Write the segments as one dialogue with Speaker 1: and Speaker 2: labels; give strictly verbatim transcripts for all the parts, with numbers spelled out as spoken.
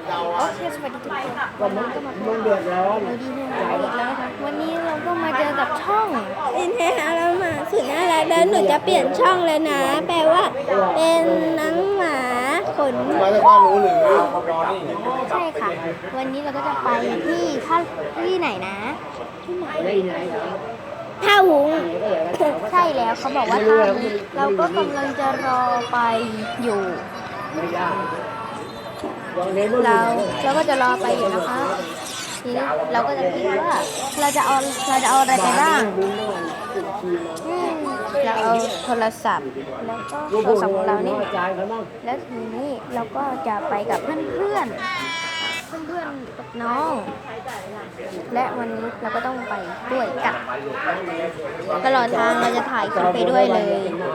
Speaker 1: โอเคสวัสดีทุกคนวันนี้ก็มาพบ
Speaker 2: มันเดือดร้อน
Speaker 1: เราดีเรื่องอีกแล้วนะคะวันนี้เราก็มาเจอกับช่อง
Speaker 3: เป็นแฮะเรามาสุดน่ารักแล้วหนูจะเปลี่ยนช่องเลยนะ แปลว่าเป็นน้องหมาขน
Speaker 2: มาจากบ้านหนูหรือ
Speaker 1: ใช่ค่ะ วันนี้เราก็จะไปที่ท่าที่ไหนนะ
Speaker 2: ไม่ไหนเหรอ
Speaker 3: ท่าวุ้ง
Speaker 1: ใช่แล้วเขาบอกว่าท่านี้เราก็กำลังจะรอไปอยู่
Speaker 2: ไม่ยากวันนี้มัน
Speaker 1: เราเราก็จะรอไปอยู่นะคะทีนี้เราก็จะคิดว่าเราจะเอาเราจะเอาอะไรไปบ้างอืมเราเอาโทรศัพท์แล้วก็โทรศัพท์ของเรานี่
Speaker 2: จ่ายเขาบ้าง
Speaker 1: แล้วทีนี้เราก็จะไปกับเพื่อนเพื่อนเพื่อนเพื่อนๆกับน้อง และวันนี้เราก็ต้องไปด้วยกันตลอดทางเราจะถ่ายคลิปไปด้วยเลย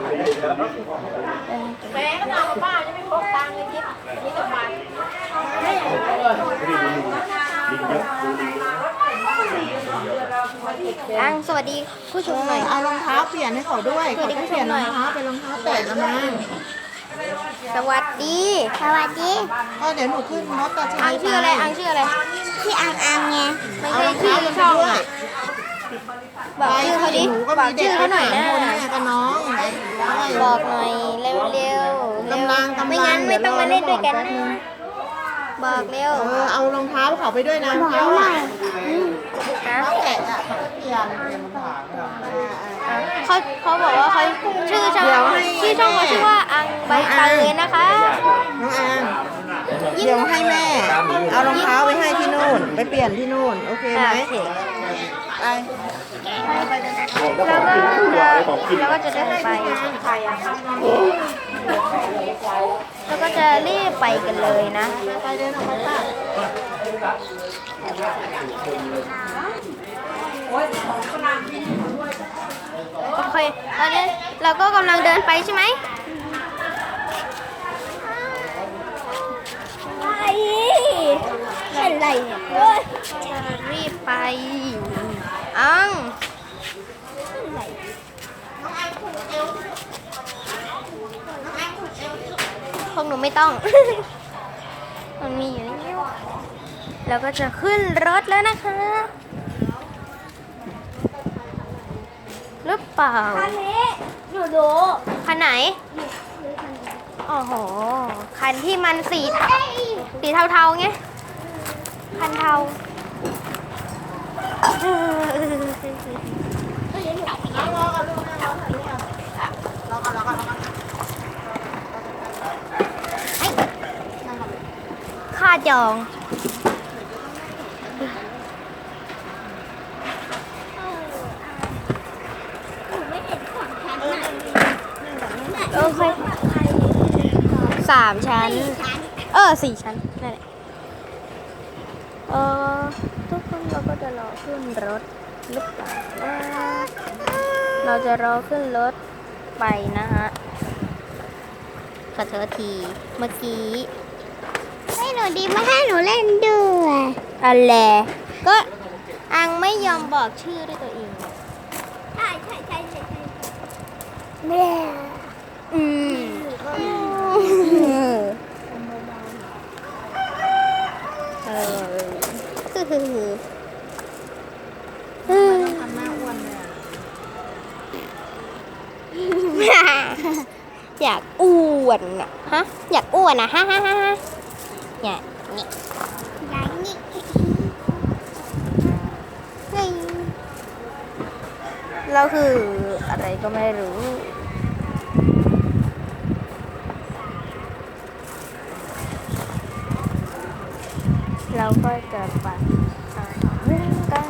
Speaker 4: แม่ก็เอาป้าจะไม่พกตังค์เลยจิ๊บนี่กับมัน
Speaker 1: อังสวัสดีผู้ชมหน่อย
Speaker 4: เอารองเท้าเปลี่ยนให้เขาด้วยเขาจะเปลี่ยนรองเท้าเป็นรองเท้าแตะแล้วมั้ง
Speaker 1: สวัสดีสวัสดี
Speaker 4: ก็เดี๋ยวหนูขึ้นรถตาชั
Speaker 1: อั
Speaker 4: ย
Speaker 1: งชื่ออะไรอังชื่ออะไร
Speaker 3: ที่อังอังไง
Speaker 1: ไม่
Speaker 4: เอา
Speaker 1: ใช่
Speaker 4: รอง
Speaker 1: ชื่
Speaker 4: เท้า
Speaker 1: อ
Speaker 4: ลง
Speaker 1: ช่อง
Speaker 4: ด้วย
Speaker 1: บอกชื่อเขาดิ
Speaker 4: หนูก็
Speaker 1: บอ
Speaker 4: มี
Speaker 1: ก
Speaker 4: เด็
Speaker 1: ชื่
Speaker 4: ก
Speaker 1: อเขาหน่อยนะ
Speaker 4: พ่อแม่กับน้องได้
Speaker 1: บอกหน่อยเร็วๆเร็ว
Speaker 4: กำลังกำลัง
Speaker 1: ไม่งั้นไม่ต้องมาเล่นด้วยกันนะบอกเร็ว
Speaker 4: เออเอารองเท้าเขาไปด้วยนะรองเท้าอะ
Speaker 1: นะ
Speaker 4: เท้าแตะอะเขาจะเปลี่ยน
Speaker 1: เขาเขาบอกว่าเขาชื่อช่องชื่อช่องเขาชื่อว่าอังใบเตยนะคะ
Speaker 4: น้องอางเดี๋ยวให้แม่ เอารองเท้าไปให้ที่นู่น ไปเปลี่ยนที่นู่น โอเคไหม
Speaker 1: โอเค
Speaker 4: ไป
Speaker 1: แล้วก็จะแล้วก็จะเดินไปแล้วก็จะรีบไปกันเลยนะ
Speaker 4: ไปเดินออกไปป่ะ
Speaker 1: โอเคตอนนี้เราก็กำลังเดินไปใช่ไหม
Speaker 3: ไปอะไรเนี่ยเฮ้ย
Speaker 1: จะรีบไปอังพวกหนูไม่ต้อง มันมีอยู่แล้วเราก็จะขึ้นรถแล้วนะคะหรือเปล่า
Speaker 3: คันนี้หนูดู
Speaker 1: คันไหนโอ้โหคันที่มันสีเทาสีเทาๆไงคันเทา
Speaker 4: เอารอกันลูกนะรอกันลูกอ่ะรอกันรอกันรอกัน
Speaker 1: ค่าจองโอเคสามชั้น เออสี่ชั้นนั่นแหละเออทุกคนเราก็จะรอขึ้นรถหรือเปล่านะเราจะรอขึ้นรถไปนะฮะขอโทษทีเมื่อกี้
Speaker 3: ให้หนูดีไม่ให้หนูเล่นด้วย
Speaker 1: อะไรก็อังไม่ยอมบอกชื่อด้วยตัวเอง
Speaker 3: ใช่ใช่ใช่ใช่แม่
Speaker 1: อืมเออ
Speaker 4: ทำหน้าอ้วนเลยอะ
Speaker 1: อยากอ้วนอะฮะ อยากอ้วนอะฮะฮะฮะฮะอยากนี่
Speaker 3: ยายนี่
Speaker 1: เฮ้ยเราคืออะไรก็ไม่รู้ เราก็จะไปหาเรื่องกัน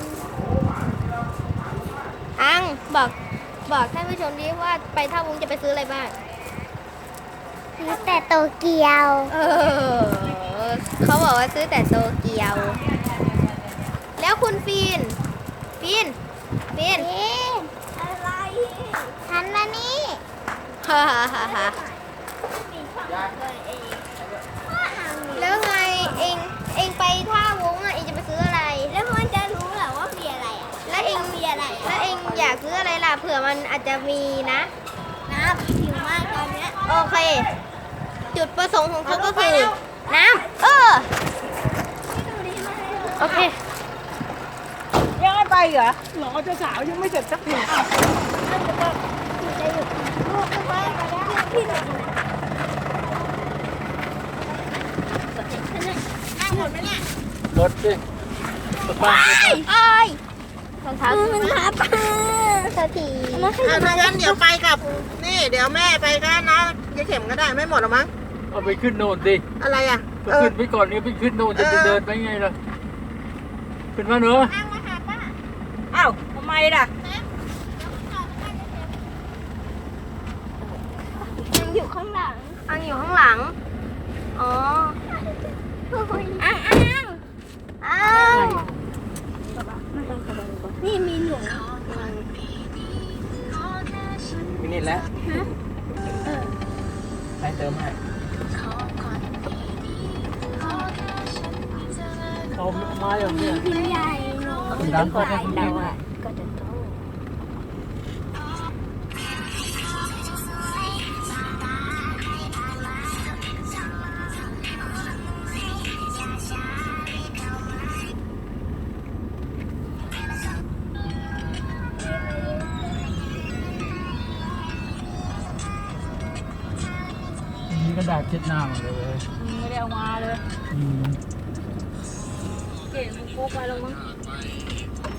Speaker 1: อังบอกบอกท่านผู้ชมดิว่าไปท่าวุ้งจะไปซื้ออะไรบ้าง
Speaker 3: ซื้อแต่โตเกียว
Speaker 1: เออ เขาบอกว่าซื้อแต่โตเกียว แล้วคุณฟีน ฟีน ฟีน
Speaker 3: เอ๊ะอะไรหันมานี่
Speaker 1: ฮ่าฮ่าฮ่าฮ่าแล้วไงเองเองไปท่าวุ้งอ่ะเองจะไปซื้ออะไร
Speaker 3: แล้วมันจะรู้เหรอว่ามีอะไรอ่ะ
Speaker 1: แล้วเอง
Speaker 3: มีอะไร
Speaker 1: แล้วเองอยากซื้ออะไรล่ะเผื่อมันอาจจะมีนะ
Speaker 3: น้ำหิวมากตอนเนี้ย
Speaker 1: โอเค จุดประสงค์ของเขาก็คือน้ำเออเหรอ
Speaker 2: รอเจ้าสาวยังไม่เสร็จสักที
Speaker 5: รถสิรถบ้าน
Speaker 3: เอ้ย
Speaker 1: รองเท้า
Speaker 3: มันทับสักที
Speaker 4: อ่ะถ้างั้นเดี๋ยวไปกับ นี่ เดี๋ยวแม่ไปกันนะยายเข็มก็ได้ไม่หมดหรอมั้ง
Speaker 5: เอาไปขึ้นโน่นสิ
Speaker 4: อะไรอ่ะ
Speaker 5: ก็
Speaker 4: เออ
Speaker 5: ขึ้นไปก่อนนี่ไปขึ้นโน่นจะ
Speaker 4: เออ
Speaker 5: จะเดินไปไงล่ะขึ้นมาเนอะ
Speaker 1: อ้าวทำไมล่ะ
Speaker 3: มันอยู่ข้างหลัง
Speaker 1: อังอยู่ข้างหลัง อ๋อ
Speaker 3: อ้างอ้าง
Speaker 1: อ้าว
Speaker 3: นี่มีหนู
Speaker 5: มินิแล้วให้เติมให้เขาไม้อย่างเนี้ย
Speaker 3: พี่ใหญ่หนู
Speaker 5: ดังก็ได้คุณ
Speaker 1: เรา
Speaker 5: แม่
Speaker 1: อ่ะก็จะโต
Speaker 5: มีกระดาษเช็ดหน้ามาเลย
Speaker 1: ไม่ได้เอามาเลย
Speaker 5: อืม
Speaker 1: เก๋มันพกมาแล้วมั้ง